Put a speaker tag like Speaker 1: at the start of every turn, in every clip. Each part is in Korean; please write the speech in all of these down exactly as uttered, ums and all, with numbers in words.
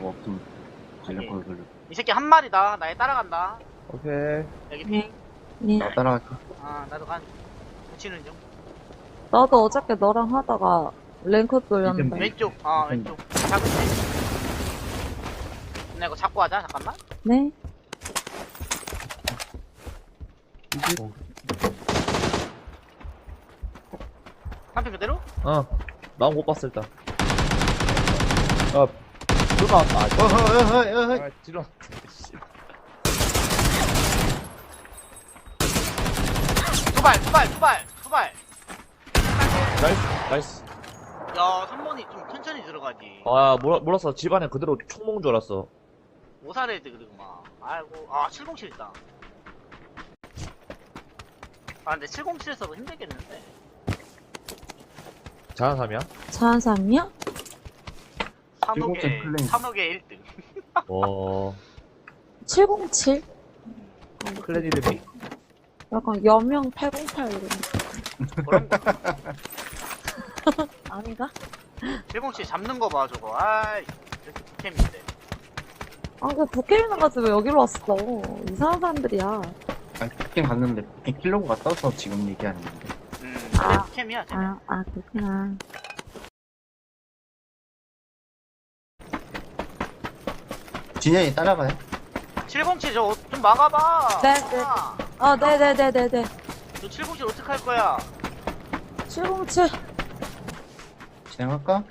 Speaker 1: 뭐 없으면 관련 걸 걸려.
Speaker 2: 이 새끼 한 마리다. 나에 따라간다.
Speaker 3: 오케이.
Speaker 2: 여기 핑.
Speaker 4: 네.
Speaker 1: 나 따라갈게.
Speaker 2: 아, 나도 간. 붙이는 중.
Speaker 4: 나도 어저께 너랑 하다가 랭크 돌렸는데.
Speaker 2: 왼쪽. 아, 왼쪽. 잡을게. 나 이거 잡고 하자. 잠깐만.
Speaker 4: 네.
Speaker 2: 한편 그대로?
Speaker 3: 어. 나온 못 봤어, 일단. 아, 불가 왔다. 아,
Speaker 1: 어허, 어허, 어허.
Speaker 3: 아, 지러.
Speaker 2: 두 발, 두 발, 두 발, 두 발.
Speaker 3: 나이스, 나이스.
Speaker 2: 야, 삼 번이 좀 천천히 들어가지.
Speaker 3: 아, 몰라, 몰랐어. 집안에 그대로 총 먹은 줄 알았어.
Speaker 2: 오사레드 그리고 막. 아이고, 아, 칠공칠 있다. 아, 근데 칠공칠에서도 힘들겠는데.
Speaker 3: 자한삼이야?
Speaker 4: 자한삼이야?
Speaker 2: 삼억에,
Speaker 1: 칠공칠 클레임.
Speaker 2: 삼억에 일 등.
Speaker 3: 어,
Speaker 4: 칠공칠?
Speaker 3: 클랜 이름이?
Speaker 4: 약간 여명 팔공팔 이런.
Speaker 2: 그런 거.
Speaker 4: 아닌가?
Speaker 2: 칠공칠 잡는 거 봐, 저거. 아이, 이렇게 북캠인데.
Speaker 4: 아, 그 북캠이나 가지고 여기로 왔어. 이상한 사람들이야.
Speaker 1: 아니, 북캠 갔는데, 북캠 킬로그가 떠서 지금 얘기하는 건데.
Speaker 2: 음,
Speaker 4: 아.
Speaker 2: 그래, 북캠이야, 쟤.
Speaker 4: 아, 아, 그렇구나.
Speaker 1: 진현이 따라가요?
Speaker 2: 칠공칠 저거 좀 막아봐.
Speaker 4: 네, 네.
Speaker 2: 아,
Speaker 4: 아, 네네네네네.
Speaker 2: 너 칠공칠 어떡할 거야?
Speaker 4: 칠공칠.
Speaker 1: 진행할까?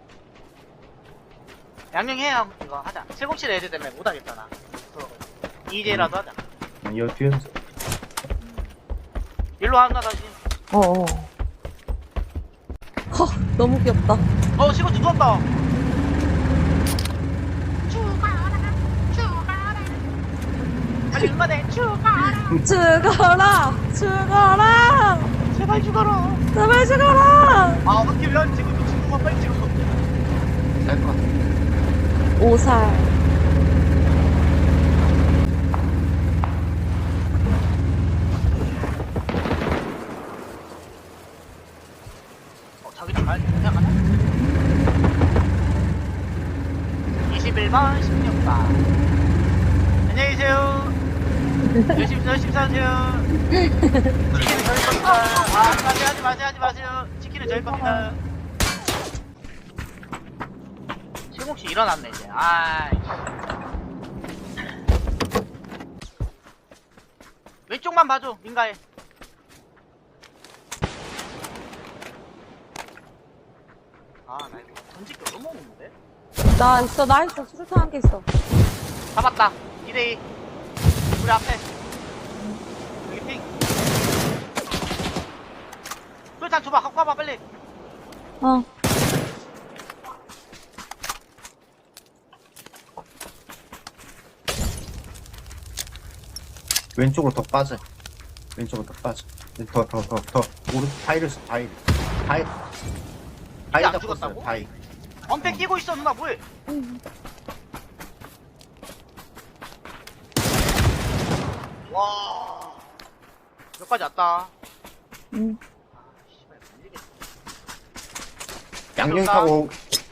Speaker 2: 양양해요. 이거 하자. 칠공칠 애들 때문에 못하겠잖아. 이제라도 하자.
Speaker 1: 아니, 여기 뒤에서.
Speaker 2: 일로 하나 다시.
Speaker 4: 어어. 허, 너무 귀엽다.
Speaker 2: 어, 칠공칠 누웠다. 빨리 응만해. 죽어라.
Speaker 4: 죽어라! 죽어라!
Speaker 2: 제발 죽어라.
Speaker 4: 제발 죽어라!
Speaker 2: 아, 어떻게 왜 지금 또 죽는 거 빨리 찍어.
Speaker 1: 쌀것 같아.
Speaker 4: 오살.
Speaker 2: 어, 자기도 말 그냥 가자. 이십일 번, 십육 번. 안녕히 계세요. 열심히, 열심히 사세요. 치킨은 저희 겁니다. 아, 하지 마세요, 하지 마세요, 하지 마세요. 치킨은 저희 겁니다. 칠공칠 일어났네, 이제. 아이. 왼쪽만 봐줘, 민가에. 아, 나 이거 던질게 너무 없는데?
Speaker 4: 나 있어, 나 있어. 수류탄 한 개 있어.
Speaker 2: 잡았다. 이 대 이. 우리 앞에. 여기 핑. 수류탄 줘봐. 갖고 와봐, 빨리.
Speaker 4: 어.
Speaker 1: 왼쪽으로 더 빠져. 왼쪽으로 더 빠져. 더, 더, 더, 더. 오른, 바위를 써, 바위. 바위. 바위
Speaker 2: 안
Speaker 1: 잡고
Speaker 2: 죽었다고?
Speaker 1: 있어요, 바위.
Speaker 2: 엄폐 끼고 있어, 누나, 뭐해? 와. 여기까지 왔다.
Speaker 4: 응.
Speaker 2: 아, 씨발, 밀리겠다.
Speaker 1: 양념
Speaker 2: 그런가?
Speaker 1: 타고,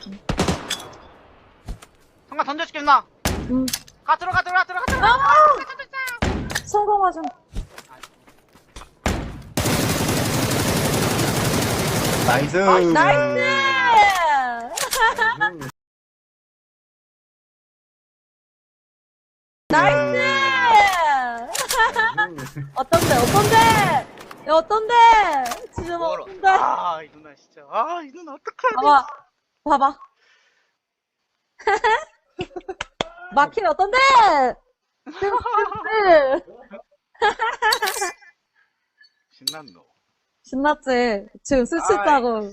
Speaker 2: 성가 던져줄게, 누나.
Speaker 4: 응.
Speaker 2: 가, 들어가, 들어가, 들어가, 들어가.
Speaker 4: 아! 성공하자.
Speaker 1: 나이스!
Speaker 4: 나이스! 나이스! 어떤데, 어떤데? 야, 어떤데? 지금
Speaker 2: 멀어.
Speaker 4: 어떤데?
Speaker 2: 아, 이 누나, 진짜. 아, 이 누나, 어떡해.
Speaker 4: 봐봐, 봐봐. 마키 어떤데?
Speaker 2: 신났노.
Speaker 4: 신났지? 지금 술
Speaker 2: 아이.
Speaker 4: 취했다고.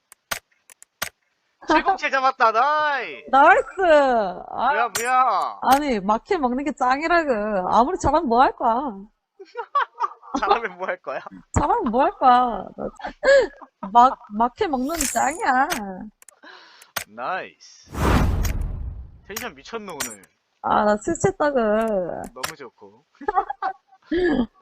Speaker 2: 칠공칠 잡았다, 나이.
Speaker 4: 나이스! 아,
Speaker 2: 뭐야, 뭐야.
Speaker 4: 아니, 마키 먹는 게 짱이라고. 아무리 잘하면 뭐 할 거야.
Speaker 2: 잘하면 뭐 할 거야?
Speaker 4: 잘하면 뭐 할 거야. 나- 막, 마키 먹는 게 짱이야.
Speaker 2: 나이스. 텐션 미쳤노, 오늘.
Speaker 4: 아, 나 술 취했다고.
Speaker 2: 너무 좋고.